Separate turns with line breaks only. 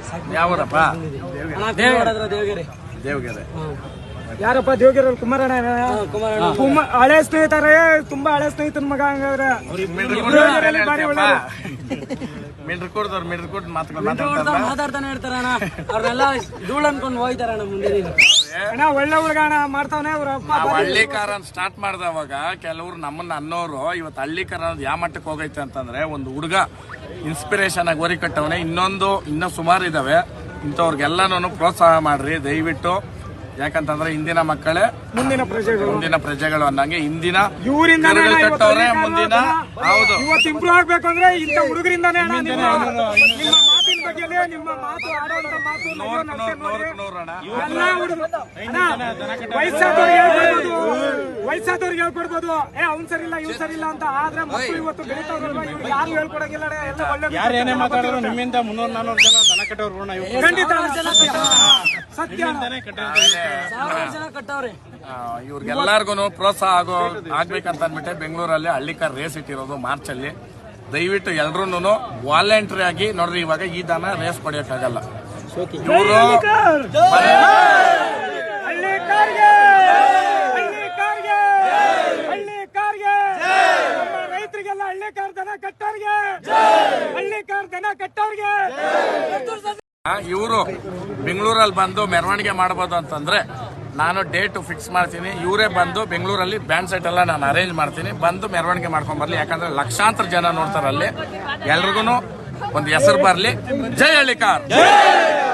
ಯಾವೂರಪ್ಪ?
ದೇವಗೆರೆ.
ದೇವಗೆರೆ.
ಯಾರಪ್ಪ ದೇವಗಿರಲ್ಲಿ ಕುಮಾರಣ್ಣ ಹಳೆ ಸ್ನೇಹಿತರೇ, ತುಂಬಾ ಹಳೆ ಸ್ನೇಹಿತನ ಮಗ. ಹಂಗಾದ್ರೆ ಬಾರಿ ಒಳ್ಳೆ
ಮಿಡ್ರಿಕೋಟ್
ಮಾತಾಡ್ತಾನೆ ಇರ್ತಾರ ಅಣ್ಣ. ಅವ್ರನ್ನೆಲ್ಲ ಧೂಳ್ ಅನ್ಕೊಂಡು ಹೋಯ್ತಾರಣ್ಣ. ಮುಂದೆ
ಅಣ್ಣ ಒಳ್ಳೆ ಹುಡುಗ ಅಣ್ಣ, ಮಾಡ್ತಾವನೆ. ಅವ್ರ ಅಪ್ಪ
ಹಳ್ಳಿಕಾರ ಸ್ಟಾರ್ಟ್ ಮಾಡ್ದವಾಗ ಕೆಲವ್ರು ನಮ್ಮನ್ನ ಅನ್ನೋರು ಇವತ್ತು ಹಳ್ಳಿಕಾರ ಅನ್ನೋದು ಯಾವ ಮಟ್ಟಕ್ಕೆ ಹೋಗೈತೆ ಅಂತಂದ್ರೆ, ಒಂದು ಹುಡುಗ ಇನ್ಸ್ಪಿರೇಷನ್ ಆಗಿ ಓರಿ ಕಟ್ಟವನೆ. ಇನ್ನೂ ಸುಮಾರು ಇದಾವೆ. ಇಂಥವ್ರಿಗೆಲ್ಲಾನು ಪ್ರೋತ್ಸಾಹ ಮಾಡ್ರಿ ದಯವಿಟ್ಟು. ಯಾಕಂತಂದ್ರೆ ಇಂದಿನ ಮಕ್ಕಳೇ ಮುಂದಿನ ಪ್ರಜೆಗಳು ಅನ್ನಂಗೆ ಇಂದಿನ
ಇವರಿಂದ
ಕಟ್ಟವ್ರೆ ಮುಂದಿನ. ಹೌದು,
ಇವತ್ತು ಇಂಪ್ರೂವ್ ಆಗ್ಬೇಕು ಅಂದ್ರೆ ಇಂಥ ಹುಡುಗರಿಂದಾನೇ. ನಿಮ್ಮ ಮಾತಿನ ಬಗ್ಗೆ, ನಿಮ್ಮ ಮಾತು ಆಡೋದ್ರ ಮಾತು ವಯಸ್ಸಾದವ್ರಿಗೆ ಹೇಳ್ಕೊಡ್ಬೋದು, ಅವ್ನ್ ಸರಿ ಇಲ್ಲ ಇವ್ ಸರಿ ಇಲ್ಲ ಅಂತ. ಆದ್ರೆ ಮಕ್ಕಳು ಇವತ್ತು ಬೆಳೀತಾವ್ರಲ್ವಾ, ಇವ್ರು ಯಾರು ಹೇಳ್ಕೊಡಂಗಿಲ್ಲ. ಎಲ್ಲ ಒಳ್ಳೆ
ಯಾರೇನೇ ಮಾತಾಡೋರು ನಿಮ್ಮಿಂದ 300-400 ಜನ ದನ ಕಟ್ಟೋರು
ಖಂಡಿತ ಸತ್ಯ.
ಇವ್ರಿಗೆಲ್ಲರಿಗೂ ಪ್ರೋತ್ಸಾಹ ಆಗ್ಬೇಕಂತ ಅಂದ್ಬಿಟ್ಟೆ ಬೆಂಗಳೂರಲ್ಲಿ ಹಳ್ಳಿಕಾರ್ ರೇಸ್ ಇಟ್ಟಿರೋದು ಮಾರ್ಚ್ ಅಲ್ಲಿ. ದಯವಿಟ್ಟು ಎಲ್ರು ವಾಲಂಟ್ರಿ ಆಗಿ ನೋಡ್ರಿ. ಇವಾಗ ಈ ದನ ರೇಸ್ ಪಡೆಯಕ್ಕಾಗಲ್ಲ. ಇವರು
ರೈತರಿಗೆಲ್ಲ ಹಳ್ಳಿಕಾರ್ ದನ ಕಟ್ಟೋರ್ಗೆ, ಹಳ್ಳಿಕಾರ್ ದನ ಕಟ್ಟೋರ್ಗೆ.
ಇವರು ಬೆಂಗಳೂರಲ್ಲಿ ಬಂದು ಮೆರವಣಿಗೆ ಮಾಡಬಹುದು ಅಂತಂದ್ರೆ ನಾನು ಡೇಟ್ ಫಿಕ್ಸ್ ಮಾಡ್ತೀನಿ. ಇವರೇ ಬಂದು ಬೆಂಗಳೂರಲ್ಲಿ ಬ್ಯಾಂಡ್ ಸೆಟ್ ಎಲ್ಲ ನಾನು ಅರೇಂಜ್ ಮಾಡ್ತೀನಿ. ಬಂದು ಮೆರವಣಿಗೆ ಮಾಡ್ಕೊಂಡ್ ಬರ್ಲಿ. ಯಾಕಂದ್ರೆ ಲಕ್ಷಾಂತರ ಜನ ನೋಡ್ತಾರಲ್ಲಿ. ಎಲ್ರಿಗೂ ಒಂದು ಹೆಸರು ಬರ್ಲಿ. ಜೈ ಹಳ್ಳಿಕಾರ್.